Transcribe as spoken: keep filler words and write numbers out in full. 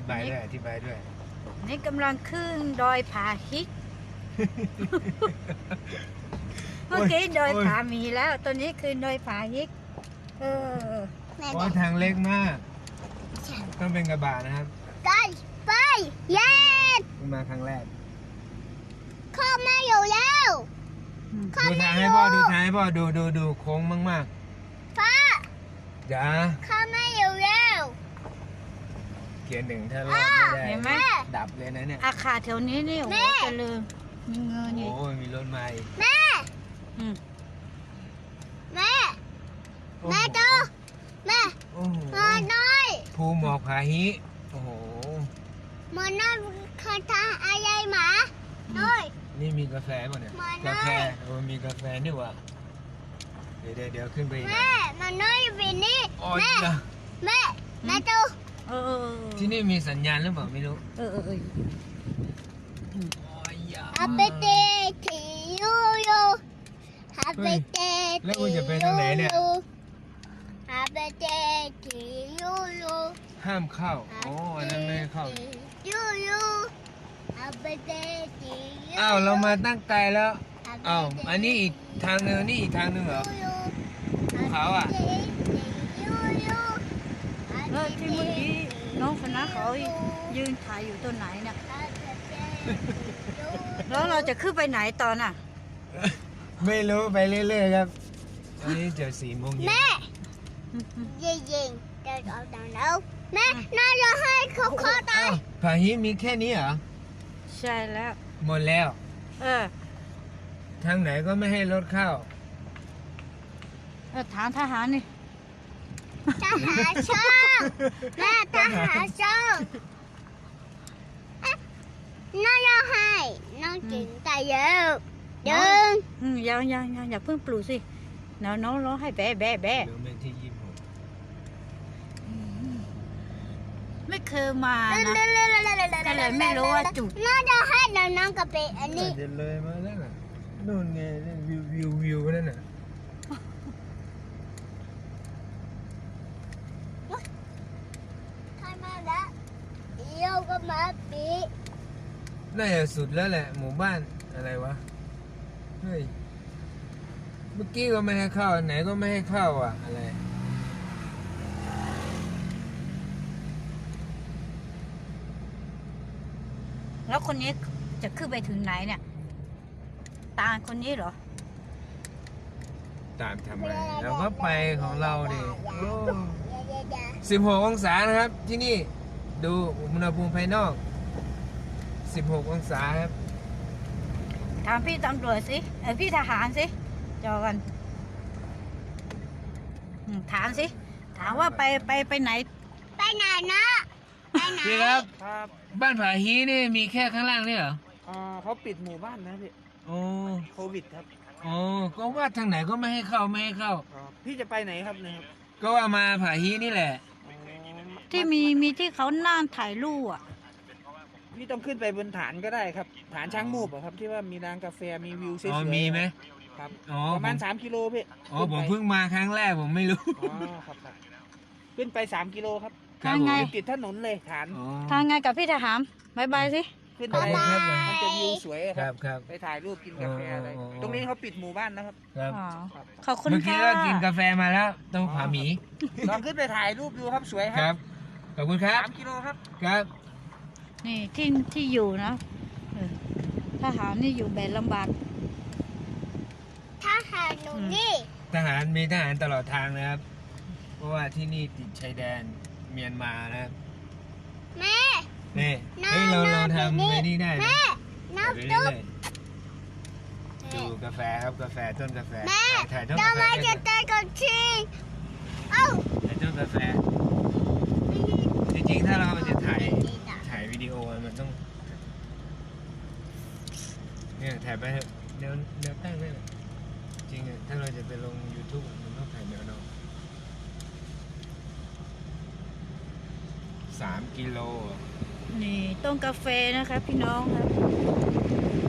บายด้วยอธิบายด้วยนี่กำลังขึ้นดอยผาฮิก เมื่อกี้ดอยผาหมีแล้วตัวนี้คือดอยผาฮิกเออโอ้ทางเล็กมากต้องเป็นกระบะนะครับไปไปเย็นมาครั้งแรกข้าไม่อยู่แล้วดูทางให้พ่อดูทางให้พ่อดูดูดูโค้งมากๆพ่อจ๋าข้าไม่อยู่แล้วเกียร์หนึ่งถ้ารอดไม่ได้เห็นไหมดับเลยนะเนี่ยอาคาแถวนี้นี่โอ้โหเจริญมีเงินนี่โอ้ยมีรถมาอีกแม่แม่แม่ดูแม่มาหน่อยภูหมอกผาฮิโอ้โหมาหน่อยคาถาอะไรหมาหน่อยนี่มีกาแฟป่ะเนี่ยกาแฟโอ้มีกาแฟนี่วะเดี๋ยวเดี๋ยวขึ้นไปแม่มาหน่อยวินนี่แม่แม่แม่ดูที่นี่มีสัญญาณหรือเปล่าไม่รู้เออเออเออฮับเบเตทียูยูฮับเบเตแล้วคุณจะไปทางไหนเนี่ยฮับเบเตทียูยูห้ามเข้าโอ้อันนั้นไม่ให้เข้ายูยูฮับเบเตทียูอ้าวเรามาตั้งไกลแล้วอ้าวอันนี้อีกทางนึงนี่อีกทางนึงเหรอภูเขาอ่ะเออที่เมื่อกี้น้องคณะเขายืนถ่ายอยู่ต้นไหนเนี่ยแล้วเราจะขึ้นไปไหนตอนน่ะไม่รู้ไปเรื่อยๆครับอันนี้จะสี่โมงเย็นแม่ยิงยิงเดินออกทางแล้วแม่น่าจะให้เขาเข้าตายผาฮิมีแค่นี้เหรอใช่แล้วหมดแล้วเออทางไหนก็ไม่ให้รถเข้าเออถามทหารนี่ทหารช่องแม่ทหารช่องน้องยังให้น้องกินแต่เยอะยังอืมยังยังยังอย่าเพิ่งปลูกสิน้องน้องร้องให้แบะแบะแบะไม่เคยมานะก็เลยไม่รู้ว่าจุดน้องจะให้น้องน้องกับเปอันนี้เดินเลยมาแล้วน่ะนู่นไงวิววิววิวนั่นน่ะโยก็มาปีน่าจะสุดแล้วแหละหมู่บ้านอะไรวะเฮ้ยเมื่อกี้ก็ไม่ให้เข้าไหนก็ไม่ให้เข้าอ่ะอะไรแล้วคนนี้จะขึ้นไปถึงไหนเนี่ยตาคนนี้เหรอตามทำไมเราก็ไปของเราดิสิบหกองศานะครับที่นี่ดูอุณหภูมิภายนอกสิบหกองศาครับถามพี่ตำรวจสิเออพี่ทหารสิจอกันถามสิถามว่าไปไปไปไหนไปไหนนะไปไหนพี่ครับบ้านผาฮีนี่มีแค่ข้างล่างนี่เหรออ่าเขาปิดหมู่บ้านนะพี่โอ้โควิดครับอ๋อก็ว่าทางไหนก็ไม่ให้เข้าไม่ให้เข้าพี่จะไปไหนครับเนี่ยก็ว่ามาผาฮีนี่แหละที่มีมีที่เขานั่งถ่ายรูปอ่ะพี่ต้องขึ้นไปบนฐานก็ได้ครับฐานช้างมูบอะครับที่ว่ามีร้านกาแฟมีวิวสวยๆอ๋อมีไหมครับประมาณสามกิโลพี่อ๋อผมเพิ่งมาครั้งแรกผมไม่รู้อ๋อครับขึ้นไปสามกิโลครับทางไงติดถนนเลยฐานทางไงกับพี่ทหารบายบายสิขึ้นไปมันจะวิวสวยครับครับไปถ่ายรูปกินกาแฟอะไรตรงนี้เขาปิดหมู่บ้านนะครับครับขอบคุณค่ะเมื่อกี้ก็กินกาแฟมาแล้วต้องผาหมีลองขึ้นไปถ่ายรูปดูครับสวยครับขอบคุณครับสามกิโลครับครับนี่ที่ที่อยู่นะทหารนี่อยู่แบบลำบากทหารหนูนี่ทหารมีทหารตลอดทางนะครับเพราะว่าที่นี่ติดชายแดนเมียนมานะครับแม่นี่เฮ้ยเราเราทำไปนี่ได้แม่น้ำตุ๊บดูกาแฟครับกาแฟต้นกาแฟแม่ถ่ายต้นกาแฟทำไมจะเต้นกันทีเอ้าถ่ายต้นกาแฟจริงๆถ้าเราจะถ่ายถ่ายวิดีโอมันต้องเนี่ยถ่ายไปแนวแนวตั้งได้เลยจริงๆถ้าเราจะไปลง ยูทูบ มันต้องถ่ายแนวนอนสามกิโลนี่ต้นกาแฟนะคะพี่น้องครับ